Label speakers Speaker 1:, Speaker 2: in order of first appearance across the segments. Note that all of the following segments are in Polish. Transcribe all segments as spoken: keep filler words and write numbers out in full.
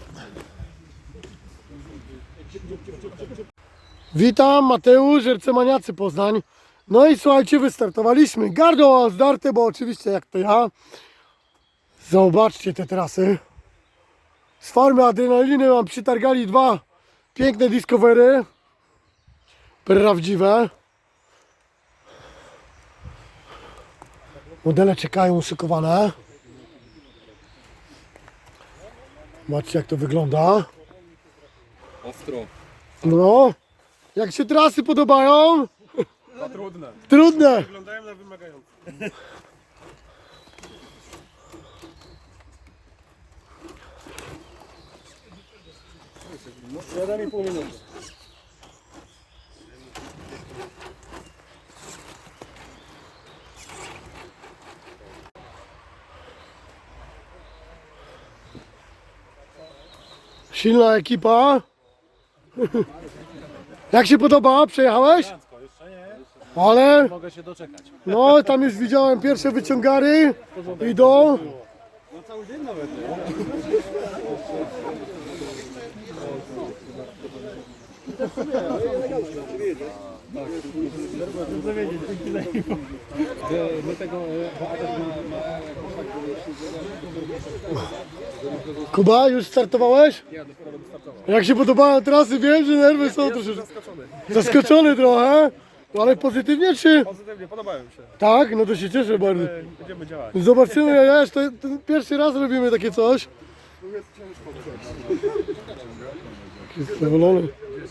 Speaker 1: Witam, Mateusz, Ercemaniacy Poznań. No i słuchajcie, wystartowaliśmy. Gardło zdarte, bo oczywiście jak to ja. Zobaczcie te trasy. Z farmy Adrenaliny mam przytargali dwa piękne Discovery. Prawdziwe. Modele czekają uszykowane. Zobaczcie jak to wygląda.
Speaker 2: Ostro.
Speaker 1: No. Jak się trasy podobają?
Speaker 2: Za trudne.
Speaker 1: Trudne.
Speaker 2: Wyglądają na wymagające. siedem i pół minuty.
Speaker 1: Silna ekipa. Jak się podoba? Przejechałeś?
Speaker 2: Jeszcze nie.
Speaker 1: Ale
Speaker 2: Mogę się doczekać.
Speaker 1: no tam już widziałem pierwsze wyciągary. Idą.
Speaker 2: No cały dzień nawet, nie? My tego, bo Adaś ma...
Speaker 1: Kuba, już startowałeś?
Speaker 2: Ja dopiero będę startował.
Speaker 1: Jak się podobają trasy? Wiem, że nerwy są troszeczkę
Speaker 2: Zaskoczony.
Speaker 1: zaskoczony trochę. Ale pozytywnie czy?
Speaker 2: Pozytywnie, podobają mi się.
Speaker 1: Tak? No to się cieszę bardzo.
Speaker 2: E, Będziemy działać.
Speaker 1: Zobaczymy, ja jeszcze to, to pierwszy raz robimy takie coś. Jest zadowolony.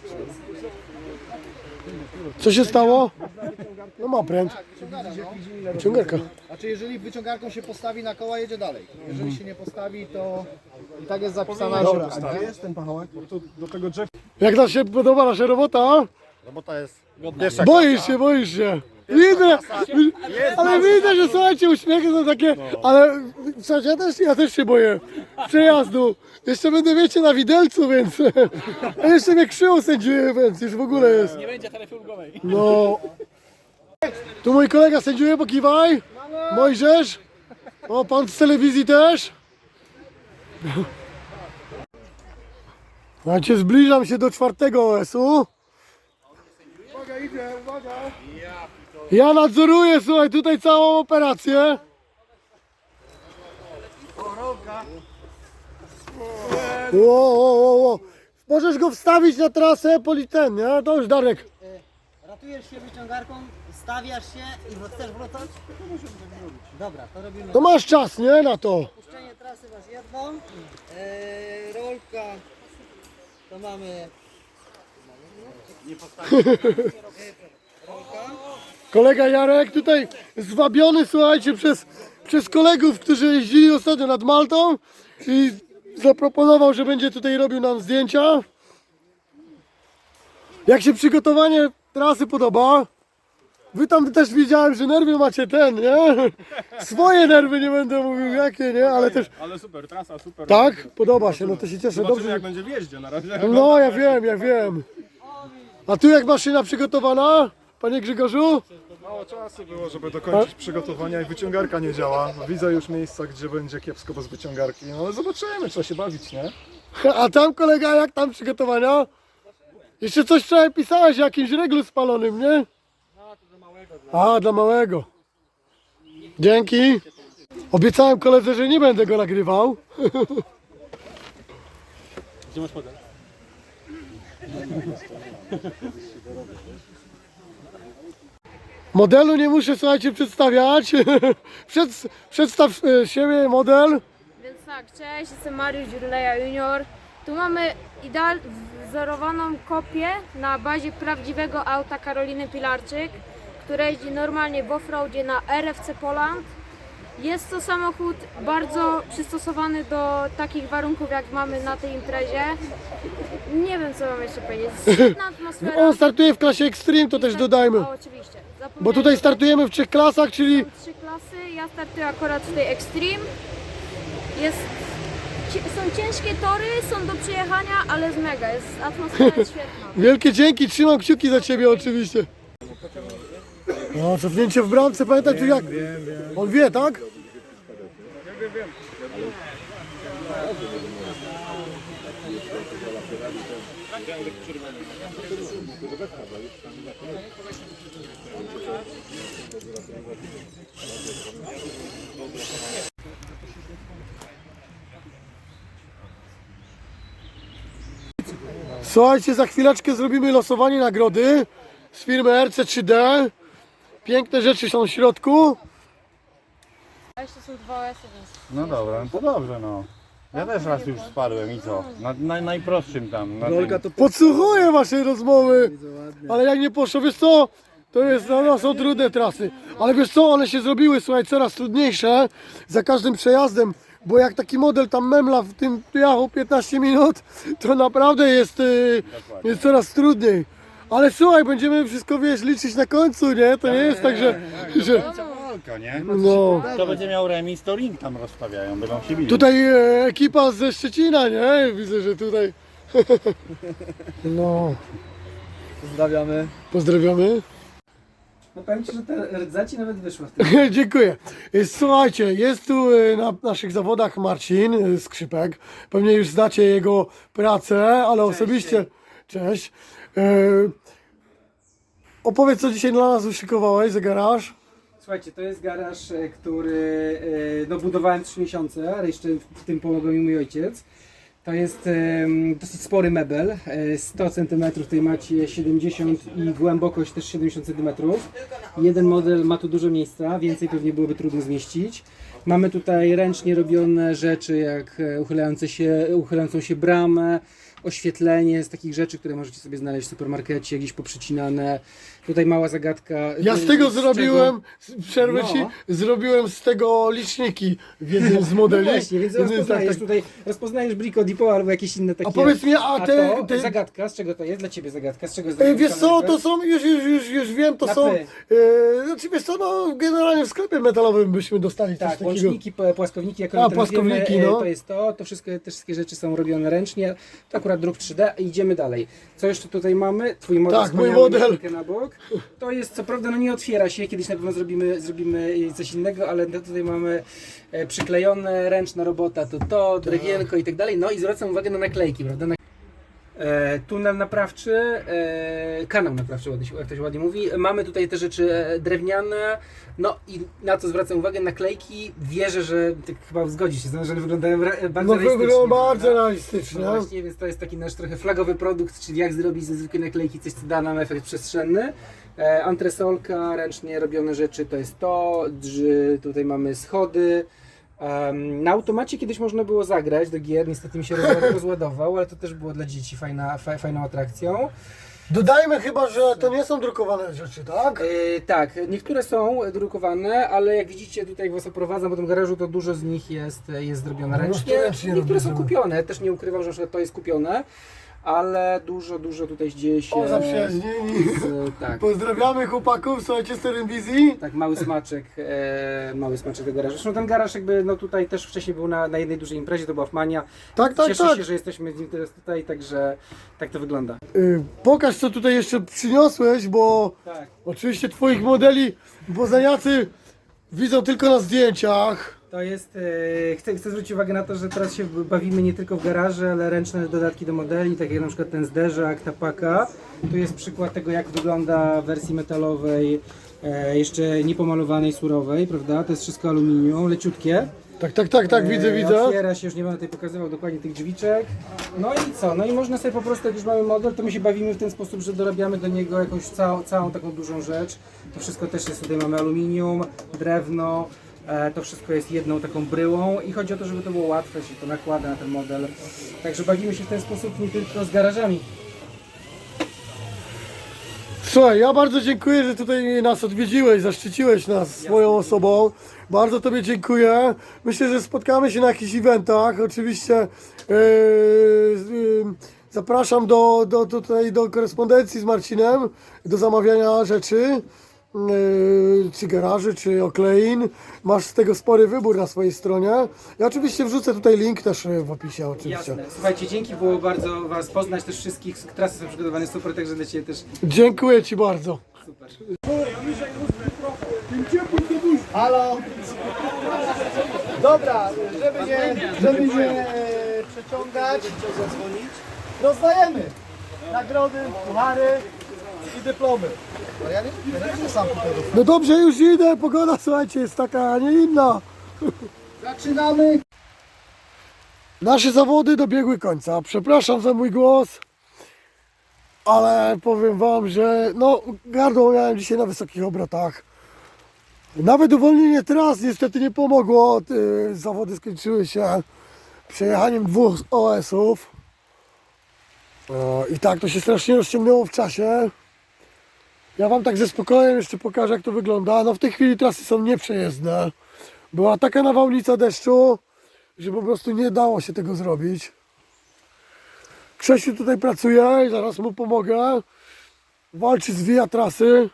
Speaker 1: Co się stało? No ma pręt. Wyciągarka.
Speaker 3: Znaczy jeżeli wyciągarką się postawi na koła, jedzie dalej. Jeżeli się nie postawi, to i tak jest zapisana.
Speaker 2: Dobra, a gdzie jest ten pachołek? Bo tu do tego drzew...
Speaker 1: Jak nam się podoba nasza robota?
Speaker 2: Robota jest...
Speaker 1: Boisz się, boisz się. Widzę, ale widzę, że słuchajcie, uśmiechy są takie, ale słuchajcie, ja też, ja też się boję przejazdu. Jeszcze będę, wiecie, na widelcu, więc a jeszcze mnie krzywo sędziuje, więc już w ogóle jest.
Speaker 2: Nie będzie taryfy ulgowej.
Speaker 1: No. Tu mój kolega sędziuje, pokiwaj. Mojżesz. O, pan z telewizji też. Słuchajcie, zbliżam się do czwartego O S-u.
Speaker 3: Uwaga, idzie, uwaga.
Speaker 1: Ja nadzoruję, słuchaj, tutaj całą operację. Ło, ło, ło, ło. Możesz go wstawić na trasę politen, nie? To już Darek.
Speaker 4: Ratujesz się wyciągarką, stawiasz się i chcesz wracać? Dobra, to robimy.
Speaker 1: To masz czas, nie? Na to.
Speaker 4: Puszczenie trasy masz jedną, eee, rolka to mamy. Nie
Speaker 1: Kolega Jarek tutaj zwabiony, słuchajcie, przez, przez kolegów, którzy jeździli ostatnio nad Maltą i zaproponował, że będzie tutaj robił nam zdjęcia. Jak się przygotowanie trasy podoba? Wy tam też widziałem, że nerwy macie ten, nie? Swoje nerwy, nie będę mówił jakie, nie? Ale też,
Speaker 2: Ale super, trasa super.
Speaker 1: tak? Podoba się, no to się cieszę.
Speaker 2: Zobaczymy
Speaker 1: Dobrze.
Speaker 2: jak będzie w jeździe na razie.
Speaker 1: No, ja wiem, ja wiem. A tu jak maszyna przygotowana, panie Grzegorzu?
Speaker 5: Mało czasu było, żeby dokończyć przygotowania i wyciągarka nie działa. Widzę już miejsca, gdzie będzie kiepsko bez wyciągarki. No ale zobaczymy, trzeba się bawić, nie?
Speaker 1: A tam kolega, jak tam przygotowania? Jeszcze coś wczoraj pisałeś o jakimś reglu spalonym, nie? A, dla małego. Dzięki. Obiecałem koledze, że nie będę go nagrywał.
Speaker 2: Gdzie masz podać?
Speaker 1: Modelu nie muszę, słuchajcie, przedstawiać. Przed, przedstaw e, siebie, model.
Speaker 6: Więc tak, cześć, jestem Mariusz Dziurleja Junior. Tu mamy ideal wzorowaną kopię na bazie prawdziwego auta Karoliny Pilarczyk, która jeździ normalnie w offroadzie na R F C Poland. Jest to samochód bardzo przystosowany do takich warunków, jak mamy na tej imprezie. Nie wiem, co mam jeszcze powiedzieć. Świetna atmosfera.
Speaker 1: On startuje w klasie Extreme, to też dodajmy.
Speaker 6: O, oczywiście.
Speaker 1: Bo tutaj startujemy w trzech klasach, czyli
Speaker 6: Są trzy klasy, ja startuję akurat w tej Extreme. Jest, ci- są ciężkie tory, są do przejechania, ale jest mega, jest, atmosfera jest świetna.
Speaker 1: wielkie dzięki, trzymam kciuki za ciebie oczywiście. No, cofnięcie w bramce, pamiętaj tu jak? On wie, tak? Słuchajcie, za chwileczkę zrobimy losowanie nagrody z firmy R C trzy D. Piękne rzeczy są w środku.
Speaker 6: A jeszcze są dwa O S-y, więc...
Speaker 7: No dobra, no to dobrze no. Ja też raz już spadłem i co? Na, na najprostszym tam. Na tym.
Speaker 1: Podsłuchuję wasze rozmowy, ale jak nie poszło, wiesz co, to jest, no, są trudne trasy, ale wiesz co, one się zrobiły, słuchaj, coraz trudniejsze za każdym przejazdem, bo jak taki model tam memla w tym jechał piętnaście minut, to naprawdę jest, y, jest coraz trudniej. Ale słuchaj, będziemy wszystko, wiesz, liczyć na końcu, nie? To nie jest tak, że... że
Speaker 7: Walka, nie?
Speaker 1: no.
Speaker 7: Kto będzie miał remis, to ring tam rozstawiają, będą się bili.
Speaker 1: Tutaj e, ekipa ze Szczecina, nie? Widzę, że tutaj... No,
Speaker 3: Pozdrawiamy.
Speaker 1: pozdrawiamy.
Speaker 3: No powiem Ci, że te rdzaci nawet wyszły w tym.
Speaker 1: Dziękuję. Słuchajcie, jest tu e, na naszych zawodach Marcin e, Skrzypek. Pewnie już znacie jego pracę, ale osobiście... Cześć. E, opowiedz, co dzisiaj dla nas uszykowałeś za garaż.
Speaker 8: Słuchajcie, to jest garaż, e, który e, no, budowałem trzy miesiące, ale jeszcze w tym pomogł mi mój ojciec. To jest e, dosyć spory mebel, e, sto centymetrów, tutaj macie siedemdziesiąt i głębokość też siedemdziesiąt centymetrów. Jeden model ma tu dużo miejsca, więcej pewnie byłoby trudno zmieścić. Mamy tutaj ręcznie robione rzeczy, jak e, uchylające się, uchylającą się bramę, oświetlenie z takich rzeczy, które możecie sobie znaleźć w supermarkecie, gdzieś poprzycinane. Tutaj mała zagadka.
Speaker 1: Ja z tego
Speaker 8: z
Speaker 1: zrobiłem, przerwę
Speaker 8: No.
Speaker 1: ci, zrobiłem z tego liczniki w jednym z modeli.
Speaker 8: No właśnie, więc
Speaker 1: Jednym z-
Speaker 8: rozpoznajesz
Speaker 1: tak, tak.
Speaker 8: tutaj, rozpoznajesz Brico Depot albo jakieś inne takie.
Speaker 1: A powiedz mi, a te...
Speaker 8: to,
Speaker 1: te
Speaker 8: zagadka, z czego to jest? Dla Ciebie zagadka, z czego jest
Speaker 1: e, wiesz
Speaker 8: zrobiona
Speaker 1: co, to są, już, już, już, już wiem, to
Speaker 8: Na
Speaker 1: są...
Speaker 8: P.
Speaker 1: E, znaczy wiesz co, no generalnie w sklepie metalowym byśmy dostali coś
Speaker 8: Tak,
Speaker 1: takiego.
Speaker 8: łączniki, p- płaskowniki, jak
Speaker 1: A,
Speaker 8: one teraz
Speaker 1: płaskowniki,
Speaker 8: wiemy, e,
Speaker 1: no.
Speaker 8: to jest to, to wszystko, te wszystkie rzeczy są robione ręcznie, to akurat druk trzy D i idziemy dalej. Co jeszcze tutaj mamy? Twój model,
Speaker 1: Tak, mój
Speaker 8: wspaniały,
Speaker 1: model.
Speaker 8: na na bok. To jest, co prawda, no nie otwiera się, kiedyś na pewno zrobimy, zrobimy coś innego, ale no tutaj mamy e, przyklejone, ręczna robota, to to, drewienko i tak dalej, no i zwracam uwagę na naklejki, prawda? Na E, tunel naprawczy, e, kanał naprawczy, ładnie się- jak to się ładnie mówi. Mamy tutaj te rzeczy e, drewniane, no i na co zwracam uwagę, naklejki. Wierzę, że ty chyba zgodzisz się, z tym, że one wyglądają re- bardzo
Speaker 1: No
Speaker 8: realistycznie.
Speaker 1: wygląda bardzo
Speaker 8: prawda?
Speaker 1: realistycznie.
Speaker 8: No właśnie, więc to jest taki nasz trochę flagowy produkt, czyli jak zrobić ze zwykłej naklejki coś, co da nam efekt przestrzenny. E, antresolka, ręcznie robione rzeczy, to jest to. Drzy, tutaj mamy schody. Em, na automacie kiedyś można było zagrać do gier, niestety mi się rozła- rozładował, ale to też było dla dzieci fajna, fa, fajną atrakcją.
Speaker 1: Dodajmy chyba, że to nie są drukowane rzeczy, tak?
Speaker 8: E, tak, niektóre są drukowane, ale jak widzicie tutaj jak was oprowadzam po tym garażu, to dużo z nich jest, jest zrobione
Speaker 1: No,
Speaker 8: ręcznie.
Speaker 1: ręcznie
Speaker 8: Niektóre są
Speaker 1: robione.
Speaker 8: kupione, też nie ukrywam, że na przykład to jest kupione, ale dużo, dużo tutaj dzieje się.
Speaker 1: O, zaprzyjaźnieni.
Speaker 8: z, tak.
Speaker 1: Pozdrawiamy chłopaków, słuchajcie, z telewizji.
Speaker 8: Tak, mały smaczek, e, mały smaczek tego garażu. Zresztą ten garaż jakby no tutaj też wcześniej był na, na jednej dużej imprezie, to była Fmania.
Speaker 1: Tak, tak,
Speaker 8: Cieszę
Speaker 1: tak.
Speaker 8: się, że jesteśmy z nim teraz tutaj, także tak to wygląda.
Speaker 1: Y, pokaż, co tutaj jeszcze przyniosłeś, bo
Speaker 8: Tak.
Speaker 1: oczywiście twoich modeli poznaniacy widzą tylko na zdjęciach.
Speaker 8: To jest, e, chcę, chcę zwrócić uwagę na to, że teraz się bawimy nie tylko w garaże, ale ręczne dodatki do modeli, tak jak na przykład ten zderzak, ta paka. Tu jest przykład tego, jak wygląda w wersji metalowej, e, jeszcze niepomalowanej, surowej, prawda? To jest wszystko aluminium, leciutkie.
Speaker 1: Tak, tak, tak, tak, widzę,
Speaker 8: E,
Speaker 1: widzę.
Speaker 8: Otwiera się, już nie będę tutaj pokazywał dokładnie tych drzwiczek. No i co? No i można sobie po prostu, jak już mamy model, to my się bawimy w ten sposób, że dorabiamy do niego jakąś całą, całą taką dużą rzecz. To wszystko też jest, tutaj mamy aluminium, drewno, e, to wszystko jest jedną taką bryłą i chodzi o to, żeby to było łatwe, się to nakłada na ten model. Także bawimy się w ten sposób nie tylko z garażami.
Speaker 1: Słuchaj, ja bardzo dziękuję, że tutaj nas odwiedziłeś, zaszczyciłeś nas swoją osobą. Bardzo Tobie dziękuję. Myślę, że spotkamy się na jakichś eventach. Oczywiście yy, yy, zapraszam do, do, do, tutaj do korespondencji z Marcinem, do zamawiania rzeczy. Yy, czy garaży, czy oklein. Masz z tego spory wybór na swojej stronie. Ja oczywiście wrzucę tutaj link też w opisie oczywiście.
Speaker 8: Jasne. Słuchajcie, dzięki, było bardzo Was poznać, też wszystkich. Trasy są przygotowane super, także dla Ciebie też
Speaker 1: Dziękuję Ci bardzo.
Speaker 8: super.
Speaker 3: Halo! Dobra, żeby nie, żeby nie przeciągać. Rozdajemy nagrody, puchary i dyplomy. Ale ja nie, ja nie będę sam tutaj rozdał.
Speaker 1: No dobrze, już idę, pogoda słuchajcie jest taka, a nie inna.
Speaker 3: Zaczynamy.
Speaker 1: Nasze zawody dobiegły końca. Przepraszam za mój głos, ale powiem wam, że no gardło miałem dzisiaj na wysokich obrotach. Nawet uwolnienie tras niestety nie pomogło. Ty- Zawody skończyły się przejechaniem dwóch O S-ów. E, I tak to się strasznie rozciągnęło w czasie. Ja wam tak ze spokojem jeszcze pokażę, jak to wygląda. No w tej chwili trasy są nieprzejezdne. Była taka nawałnica deszczu, że po prostu nie dało się tego zrobić. Krzysiu tutaj pracuje i zaraz mu pomogę. Walczy, zwija trasy.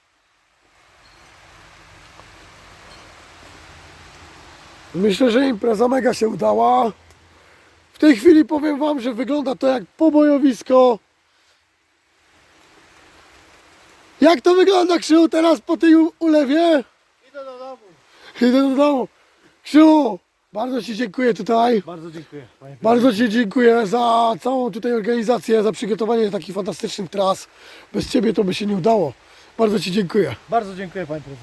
Speaker 1: Myślę, że impreza mega się udała. W tej chwili powiem wam, że wygląda to jak pobojowisko. Jak to wygląda, Krzysiu, teraz po tej u- ulewie?
Speaker 3: Idę do domu.
Speaker 1: Idę do domu. Krzysiu, bardzo ci dziękuję tutaj.
Speaker 2: Bardzo dziękuję, panie
Speaker 1: Bardzo ci dziękuję za całą tutaj organizację, za przygotowanie takich fantastycznych tras. Bez ciebie to by się nie udało. Bardzo ci dziękuję.
Speaker 3: Bardzo dziękuję, panie prezesie.